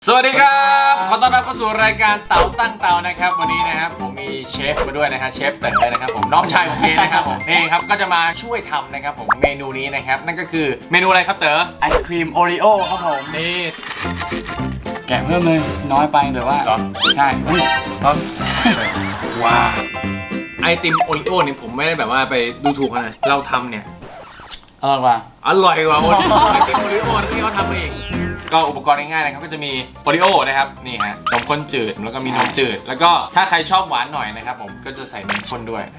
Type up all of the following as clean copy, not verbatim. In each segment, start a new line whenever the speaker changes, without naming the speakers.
สวัสดีครับขอต้อนรับเข้าสู่รายการเต๋าตั้งเตานะครับวันนี้นะครับผมมีเชฟมาด้วยนะฮะเชฟเต๋อนะครับผมน้องชายผมเองนะครับผมนี่ครับก็จะมาช่วยทำนะครับผมเมนูนี้นะครับนั่นก็คือเมนูอะไรครับเต๋อ
ไอศครีมโอรีโอครับผม
นี่
แกะเพิ่มเลยน้อยไปแต่ว่า
เหรอ
ใช่เฮ้ย
ว้าไอติมโอริโอนี่ผมไม่ได้แบบว่าไปดูถูกนะเราทำเนี่ย
อร่อยกว่า
อร่อยกว่าโอริโอไอติมโอริโอที่เขาทำเองก็อุปกรณ์ง่ายๆนะครับก็จะมีโอริโอนะครับนี่ฮะนมข้นจืดแล้วก็มีนมจืดแล้วก็ถ้าใครชอบหวานหน่อยนะครับผมก็จะใส่นมข้นด้วย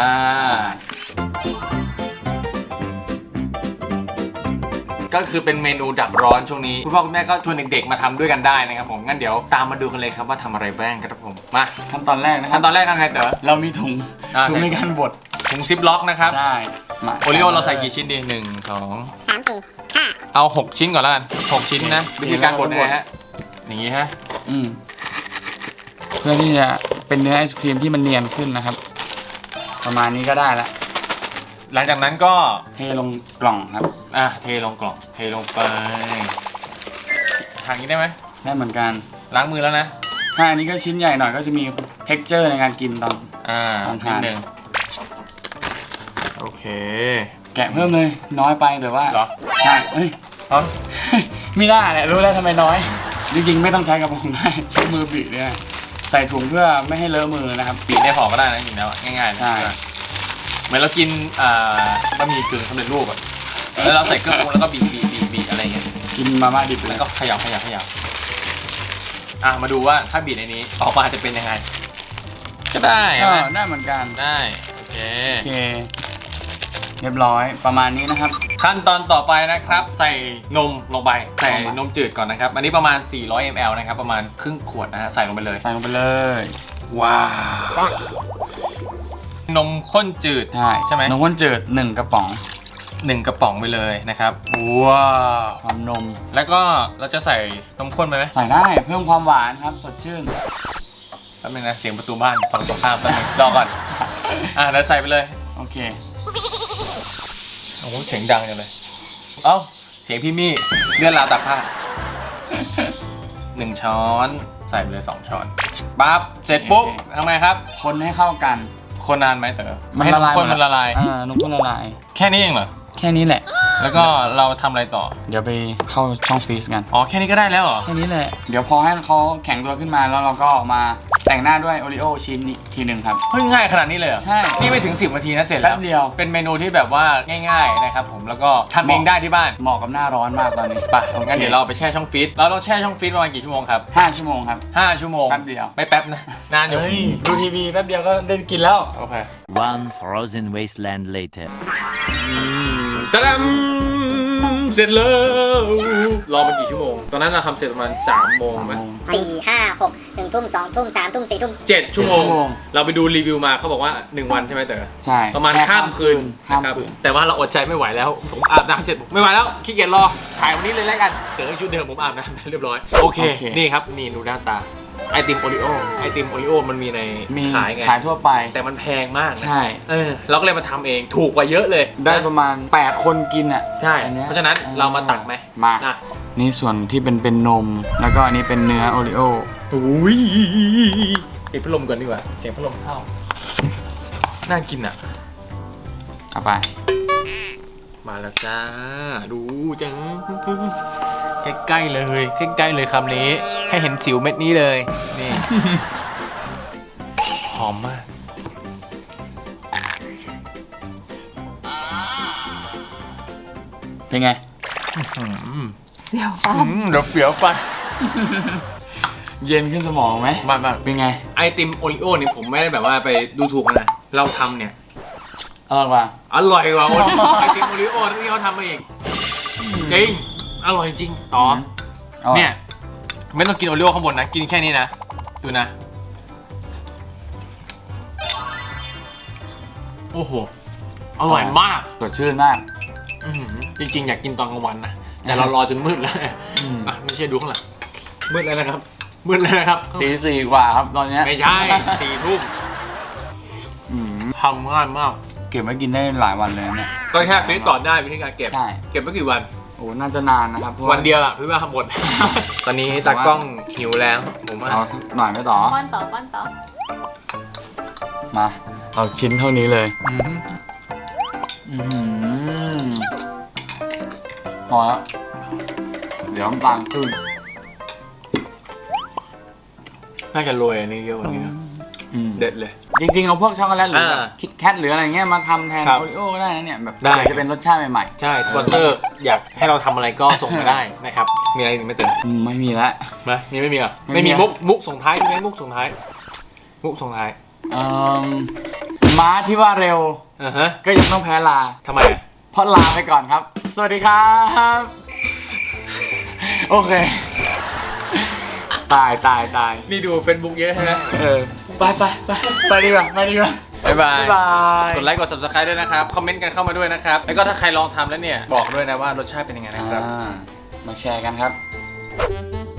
ก็คือเป็นเมนูดับร้อนช่วงนี้คุณพ่อคุณแม่ก็ชวนเด็กๆมาทำด้วยกันได้นะครับผมงั้นเดี๋ยวตามมาดูกันเลยครับว่าทำอะไรบ้างครับผมมา
ขั้นตอนแรกนะครั
ขั้นตอนแรกทำไงเต๋อ
เรามีถุง
ใส่
ในการบด
ถุงซิปล็อกนะครับ
ใช่มา
โอริโอเราใส่กี่ชิ้นดี1 2
3 4 5
เอา6ชิ้นก่อนแล้วกัน6ชิ้นนะวิธีการบดนะฮะอย่างนี้ฮะ
เพื่อที่จะเป็นเนื้อไอศครีมที่มันเนียนขึ้นนะครับ ประมาณนี้ก็ได้ละ
หลังจากนั้นก็
เทลงกล่องครับ
เทลงกล่องเทลงไปทางนี้ได้ไหม
ได้เหมือนกัน
ล้างมือแล้วนะ
ถ้าอันนี้ก็ชิ้นใหญ่หน่อยก็จะมี texture ในการกินตอน ลองทาน
นิดนึงโอเค
แกะเพิ่มเลยน้อยไปแต่ว่า
เหรอ
ใช่เฮ้ย
เอา
ไม่ได้แหละรู้แล้วทำไมน้อย จริงๆไม่ต้องใช้กระป๋องได้ใช้มือบีบเนี่ยใส่ถุงเพื่อไม่ให้เลอะมือนะครับ
บีบในห่อก็ได้นะจริงๆแล้วง่ายๆนะ
ใช่
เหมือนเรากินบะหมี่กึ่งสำเร็จรูปอะแล้วเราใส่เครื่องปรุงแล้วก็บีบอะไรเงี้ย
กินมาม่าดิบเล
แล้ว
ย
ก็เขย่ามาดูว่าถ้าบีบในนี้ออกมาจะเป็นยังไงก็ได้
ก็
ไหม
ได้เหมือนกัน
ได้โอเค
โอเคเรียบร้อยประมาณนี้นะครับ
ขั้นตอนต่อไปนะครับใส่นมลงไปใส่นมจืดก่อนนะครับอันนี้ประมาณ400 ml นะครับประมาณครึ่งขวดนะฮะใส่ลงไปเลย
ใส่ลงไปเลย
ว้าวนมข้นจืด ใช่ไหม
นมข้นจืด1 กระป๋อง
1 กระป๋องไปเลยนะครับว้าว
ความนม
แล้วก็เราจะใส่นมข้นไปไหม
ใส่ได้เพิ่มความหวานครับสดชื่น
แป๊บนึงนะเสียงประตูบ้านฝั่งตรงข้ามแป๊บนึงรอก่อนเดี๋ยวใส่ไปเลย
โอเค
โอ้โหเสียงดังจังเลยเอ้าเสียงพี่มี่เลื่อนราวตากผ้า1 ช้อนใส่ไปเลย2 ช้อนปั๊บเสร็จปุ๊บทำไงครับ
คนให้เข้ากัน
คนนานไหมเต๋อ
มันละลาย
ให้นมข้นมันละลาย
นมข้นละลาย
แค่นี้เองเหรอ
แค่นี้แหละ
แล้วก็เราทำอะไรต่อ
เดี๋ยวไปเข้าช่องฟรีซกัน
อ๋อแค่นี้ก็ได้แล้วเหรอ
แค่นี้แหละเดี๋ยวพอให้เขาแข็งตัวขึ้นมาแล้วเราก็มาแต่งหน้าด้วยโอริโอชิ้นอีกทีหนึ่งครับ
เฮ้ยง่ายขนาดนี้เลยเหรอ
ใช่
นี่ไม่ถึง10 นาทีนะเสร็จแล้ว
แป๊บเดียว
เป็นเมนูที่แบบว่าง่ายๆนะครับผมแล้วก็ทำเองได้ที่บ้าน
เหมาะกับหน้าร้อนมากตอนนี้
ไปงั้นเดี๋ยวเราไปแช่ช่องฟรีซเราต้องแช่ช่องฟรีซประมาณกี่ชั่วโมงครับ
5 ชั่วโมงครับ
5 ชั่วโมง
แป๊บเดียว
ไม่แป๊บนะนานอยู่
เฮ้ยดูทีวีแป๊บเดียวก็ได้กินแล้ว
โอเค
One frozen wasteland later.
ตะดำเสร็จแล้วรอมันกี่ชั่วโมงตอนนั้นเราทำเสร็จประมาณ3 โมงไหม
4 5 6 1 ทุ่ม 2 ทุ่ม 3 ทุ่ม 4 ทุ่ม
7 ชั่วโมงเราไปดูรีวิวมาเขาบอกว่า1 วันใช่ไหมเต๋อ
ใช่
ประมาณข้ามคืน
ข้าม
นะครับ
คืน
แต่ว่าเราอดใจไม่ไหวแล้วผมอาบน้ำเสร็จไม่ไหวแล้วขี้เกียจรอถ่ายวันนี้เลยแล้วกันเต๋อชุดเดิมผมอาบน้ำเรียบร้อยโอเคนี่ครับนี่ดูหน้าตาไอติมโอริโอมันมีใน
มี
ขายไง
ขายทั่วไป
แต่มันแพงมากนะ
ใช่
เราก็เลยมาทำเองถูกกว่าเยอะเลย
ได้
นะ
ประมาณ8 คนกินอ่ะ
ใช่
อันนี้ย
เพราะฉะนั้นเรามาตักไหม
มา
อ่ะ
นี่ส่วนที่เป็นนม แล้วก็อันนี้เป็นเนื้อโอริโอ
อุ้ยปิดพัดลมก่อนดีกว่าเสียงพัดลมเข้าน่ากินอ่ะ
เอาไป
มาแล้วจ้าดูจังใกล้ๆเลยใกล้ๆเลยคำนี้ให้เห็นสิวเม็ดนี้เลยนี่ หอมมาก
เป็นไง
เสียวฟันเดี๋ยวเสียวฟัน
เย็นขึ้นสมองไหม
มาก
เป็นไง
ไอติมโอริโอนี่ผมไม่ได้แบบว่าไปดูถูกนะเราทำเนี่ย
อร่อยกว่า
อร่อยกว่าไอติมโอริโอที่เขาทำมาเองจริงอร่อยจริงต่อเนี่ยไม่ต้องกินโอริโอข้างบนนะกินแค่นี้นะดูนะโอ้โหอร่อยมาก
สดชื่นมาก
จริงๆอยากกินตอนกลางวันนะแต่เรารอจนมืดแล้ว
อืม
ไม่ใช่ดูข้างหลังมืดแล้วนะครับมืดแล้วนะครับ
ตี 4 กว่าครับตอนเนี้ย
ไม่ใช่ 4 ทุ่ม
อืม
ทำง่ายมาก
เก็บไว้กินได้หลายวันเลยเนี่ย
ก็แค่ฟรีซก่อนได้วิธีการเก็บ
ใช่
เก็บไว้กี่วัน
โอ้น่าจะนานนะครับพราะา
วันเดียวอ่ะพี่ว่าหมด ตอนนี้ตากล้องหิวแล้วผมว่า
เอาหน่อยไหมต่อ
ป้อนต่อป้อนต่อ
มาเอาชิ้นเท่านี้เลย
อืม
อื้อหือพอแล้วเดี๋ยวน้ำตาลขึ้น
น่าจะโรยอันนี้เยอะกว่านี้นะเด็ดเลย
จริงๆเอาพวกช็อกโกแลตหรือแบบ
อ่า
คิดแคทหรืออะไรเงี้ยมาทำแทน
ครับ
โอริโอ้ก็ได้นะเนี่ยแบบ
ได้
อยากจะเป็นรสชาติใหม่
ใช่สปอนเซอร์อยากให้เราทำอะไรก็ส่งมาได้นะครับมีอะไรอีกไหม่เติม
ๆไม่มีแล้ว
นะไม่มีเหรอ
ไม่มี
ไม่มีมุกส่งท้ายมีไหมมุกส่งท้ายมุกส่งท้าย
เอิ่มม้าที่ว่าเร็ว
อ่าฮะ
ก็ยังต้องแพ้ลา
ทำไมอ่ะ
เพราะลาไปก่อนครับ สวัสดีครับ โอเค ตาย
นี่ดูเฟซบุ๊กเยอะใช่ไหม
ไปดีกว่า
บ๊ายบาย
บ๊ายบาย
กดไลค์กด subscribe ด้วยนะครับ คอมเมนต์กันเข้ามาด้วยนะครับ แล้วก็ถ้าใครลองทำแล้วเนี่ย บอกด้วยนะว่ารสชาติเป็นยังไงนะครับ
มาแชร์กันครับ